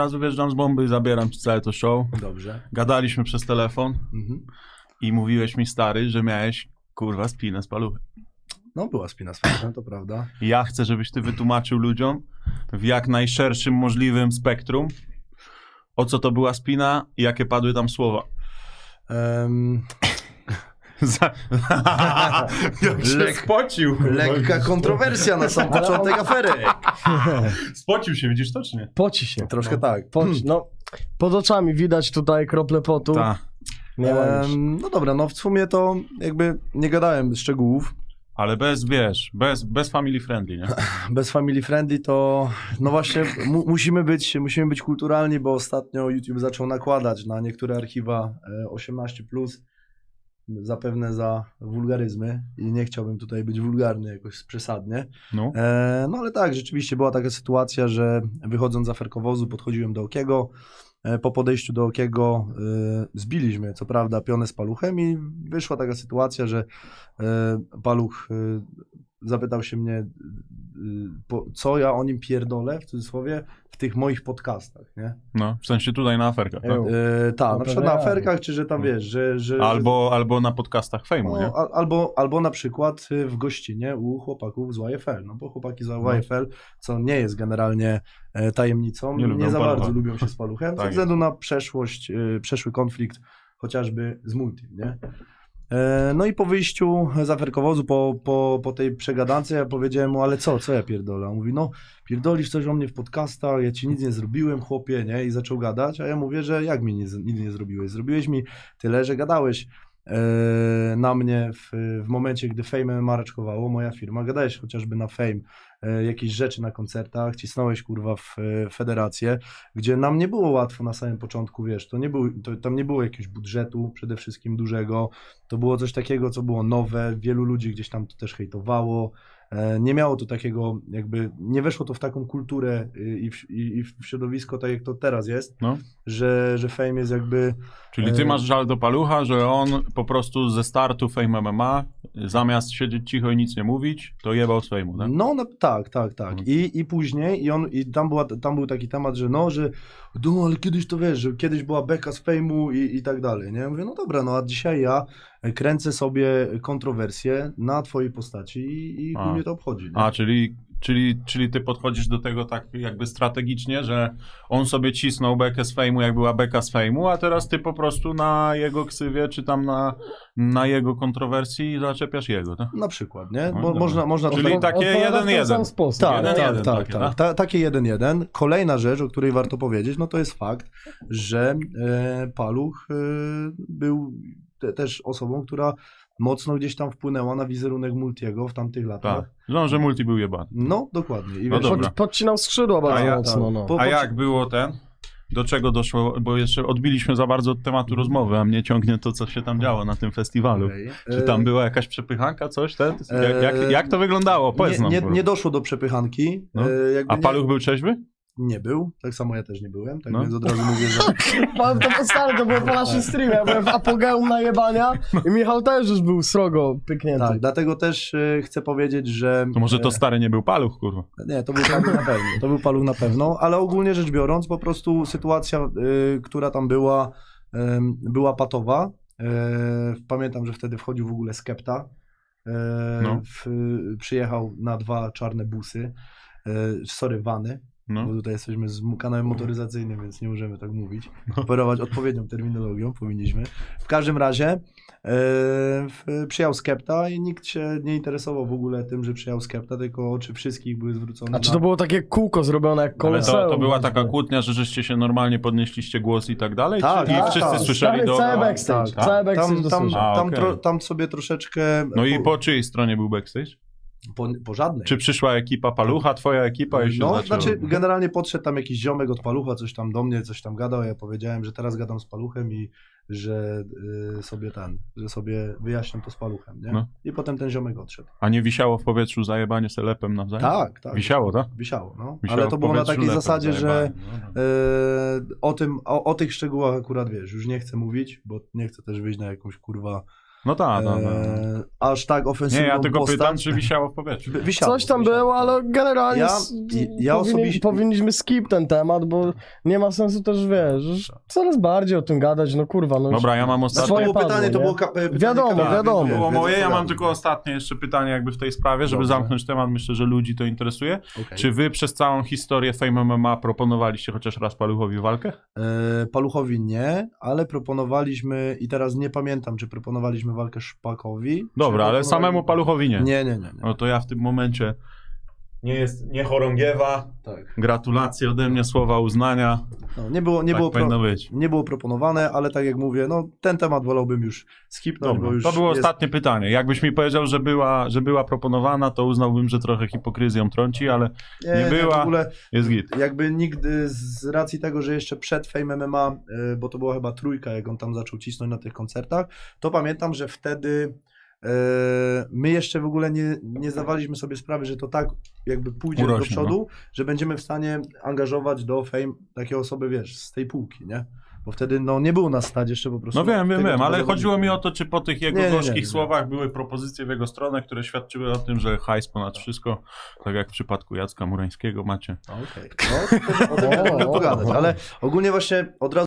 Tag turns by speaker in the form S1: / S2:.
S1: razu wjeżdżam z bomby i zabieram ci całe to show.
S2: Dobrze.
S1: Gadaliśmy przez telefon i mówiłeś mi, stary, że miałeś, kurwa, spinę z paluchem.
S2: No była spina z paluchem, to prawda.
S1: I ja chcę, żebyś ty wytłumaczył ludziom w jak najszerszym możliwym spektrum, o co to była spina i jakie padły tam słowa. Jak się spocił.
S2: Lekka kontrowersja na sam początek afery.
S1: Spocił się, widzisz to, czy nie?
S3: Poci się.
S2: Troszkę tak.
S3: No, pod oczami widać tutaj krople potu.
S1: Tak.
S3: Nie ma już.
S2: No dobra, no w sumie to jakby nie gadałem szczegółów.
S1: Ale bez, wiesz, bez family friendly, nie?
S2: Bez family friendly to, no właśnie, musimy być kulturalni, bo ostatnio YouTube zaczął nakładać na niektóre archiwa 18+, zapewne za wulgaryzmy i nie chciałbym tutaj być wulgarny jakoś przesadnie.
S1: No.
S2: No ale tak, rzeczywiście była taka sytuacja, że wychodząc z aferkowozu podchodziłem do Okiego. Po podejściu do Okiego zbiliśmy, co prawda, pionę z Paluchem i wyszła taka sytuacja, że Paluch zapytał się mnie, co ja o nim pierdolę, w cudzysłowie, w tych moich podcastach, nie?
S1: No, w sensie tutaj na aferkach, tak?
S2: Tak, na przykład na aferkach, czy że tam wiesz, że
S1: Albo na podcastach fejmu, nie?
S2: Albo na przykład w gościnie u chłopaków z YFL, no bo chłopaki z YFL, co nie jest generalnie tajemnicą, nie za bardzo lubią się z Paluchem, ze względu na przeszły konflikt chociażby z Multi, nie? No i po wyjściu z aferkowozu, po tej przegadance, ja powiedziałem mu, ale co ja pierdolę? On mówi, no pierdolisz coś o mnie w podcastach, ja ci nic nie zrobiłem, chłopie, nie? I zaczął gadać, a ja mówię, że jak mi nic nie zrobiłeś? Zrobiłeś mi tyle, że gadałeś na mnie w momencie, gdy Fame MMA raczkowało, moja firma, gadałeś chociażby na Fame, jakieś rzeczy na koncertach, cisnąłeś kurwa w federację, gdzie nam nie było łatwo na samym początku, wiesz, tam nie było jakiegoś budżetu przede wszystkim dużego, to było coś takiego, co było nowe, wielu ludzi gdzieś tam to też hejtowało, nie miało to takiego jakby, nie weszło to w taką kulturę i w środowisko tak jak to teraz jest,
S1: No.
S2: że Fame jest jakby...
S1: Czyli ty masz żal do Palucha, że on po prostu ze startu Fame MMA, zamiast siedzieć cicho i nic nie mówić, to jebał z Fame'u, tak?
S2: No tak. I później, tam był taki temat, że no ale kiedyś to wiesz, że kiedyś była beka z Fame'u i tak dalej, nie? Ja mówię, no dobra, no a dzisiaj ja kręcę sobie kontrowersje na twojej postaci i mnie to obchodzi, nie?
S1: Czyli ty podchodzisz do tego tak jakby strategicznie, że on sobie cisnął bekę z Fame'u, jak była beka z Fame'u, a teraz ty po prostu na jego ksywie, czy tam na jego kontrowersji zaczepiasz jego, tak?
S2: Na przykład, nie?
S1: No,
S2: można
S1: czyli takie 1-1.
S2: Tak. Takie 1-1. Kolejna rzecz, o której warto powiedzieć, no to jest fakt, że Paluch był też osobą, która mocno gdzieś tam wpłynęła na wizerunek Multiego w tamtych latach.
S1: Tak, no, że Multi był jebany.
S2: No, dokładnie. I
S1: No
S2: wiesz,
S1: dobra.
S3: Podcinał skrzydła bardzo mocno. No.
S1: A jak było do czego doszło, bo jeszcze odbiliśmy za bardzo od tematu rozmowy, a mnie ciągnie to, co się tam działo na tym festiwalu.
S2: Okay.
S1: Czy tam była jakaś przepychanka, coś? Jak to wyglądało? Powiedz nam.
S2: Nie doszło do przepychanki.
S1: No. A Paluch był trzeźwy?
S2: Nie był, tak samo ja też nie byłem, tak więc od razu mówię, że...
S3: To było po naszym streamie, ja byłem w apogeum najebania i Michał też już był srogo pyknięty.
S2: Tak, dlatego też chcę powiedzieć, że...
S1: To może to stary nie był Paluch, kurwa.
S2: Nie, to był Paluch na pewno, to był Paluch na pewno, ale ogólnie rzecz biorąc, po prostu sytuacja, która tam była patowa. Pamiętam, że wtedy wchodził w ogóle Skepta, przyjechał na 2 czarne busy, vany.
S1: No.
S2: Bo tutaj jesteśmy z kanałem motoryzacyjnym, więc nie możemy tak mówić. Operować odpowiednią terminologią powinniśmy. W każdym razie przyjechał Skepta i nikt się nie interesował w ogóle tym, że przyjechał Skepta, tylko oczy wszystkich były zwrócone.
S3: A czy to było takie kółko zrobione jak Koloseum?
S1: Ale to była taka kłótnia, że żeście się normalnie podnieśliście głos i tak dalej?
S2: Tak,
S1: i wszyscy słyszeli do...
S3: Cały backstage. Cały backstage
S2: Tam sobie troszeczkę...
S1: No i po czyjej stronie był backstage?
S2: Po żadnej.
S1: Czy przyszła ekipa Palucha, twoja ekipa? I się
S2: znaczy generalnie podszedł tam jakiś ziomek od Palucha, coś tam do mnie, coś tam gadał, ja powiedziałem, że teraz gadam z Paluchem i że sobie wyjaśniam to z Paluchem, nie?
S1: No.
S2: I potem ten ziomek odszedł.
S1: A nie wisiało w powietrzu zajebanie selepem nawzajem?
S2: Tak.
S1: Wisiało, tak?
S2: Wisiało, no.
S1: Wisiało,
S2: ale to było na takiej zasadzie, że
S1: no.
S2: o tych szczegółach akurat wiesz, już nie chcę mówić, bo nie chcę też wyjść na jakąś kurwa
S1: No tak, no.
S2: Aż tak ofensywną
S1: Nie, ja tylko
S2: postać.
S1: pytam, czy wisiało w powietrzu.
S2: Wisiało,
S3: Coś tam
S2: wisiało.
S3: było, ale generalnie
S2: Ja osobiście-
S3: powinniśmy skip ten temat, bo nie ma sensu też, wiesz, coraz bardziej o tym gadać, no kurwa. No
S1: Dobra, ja mam
S2: Znaczy,
S1: ostatnie.
S2: to
S3: Swoje
S2: było
S3: padło,
S2: pytanie, to
S3: nie?
S2: było pytanie
S3: Wiadomo,
S2: Kamila,
S3: wiadomo.
S2: więc
S1: Było moje, ja mam
S2: odpowiadam.
S1: tylko ostatnie jeszcze pytanie jakby w tej sprawie, żeby
S2: Dobrze.
S1: zamknąć temat, myślę, że ludzi to interesuje.
S2: Okej.
S1: Czy wy przez całą historię Fame MMA proponowaliście chociaż raz Paluchowi walkę?
S2: Paluchowi nie, ale proponowaliśmy, i teraz nie pamiętam, czy proponowaliśmy walkę Szpakowi.
S1: Dobra,
S2: czy
S1: ale samemu Paluchowi nie.
S2: Nie.
S1: No to ja w tym momencie nie chorągiewa.
S2: Tak.
S1: Gratulacje ode mnie, słowa uznania.
S2: No, nie było,
S1: Tak powinno być.
S2: nie było proponowane, ale tak jak mówię, no ten temat wolałbym już skipnąć,
S1: Dobra,
S2: bo już
S1: to było
S2: jest...
S1: ostatnie pytanie. Jakbyś mi powiedział, że była proponowana, to uznałbym, że trochę hipokryzją trąci, ale nie była.
S2: W ogóle
S1: jest git.
S2: jakby nigdy z racji tego, że jeszcze przed Fame MMA, bo to była chyba trójka, jak on tam zaczął cisnąć na tych koncertach, to pamiętam, że wtedy my jeszcze w ogóle nie zdawaliśmy sobie sprawy, że to tak jakby pójdzie do
S1: Urośnie,
S2: przodu, że będziemy w stanie angażować do Fame takie osoby, wiesz, z tej półki, nie? Bo wtedy no nie było nas stać jeszcze po prostu.
S1: No wiem,
S2: tego typu
S1: ale chodziło
S2: zawodników.
S1: mi o to, czy po tych jego
S2: Nie.
S1: gorzkich słowach były propozycje w jego stronę, które świadczyły o tym, że hajs ponad wszystko, tak jak w przypadku Jacka Murańskiego macie.
S2: Okej. No, o tym możemy pogadać, ale ogólnie właśnie od razu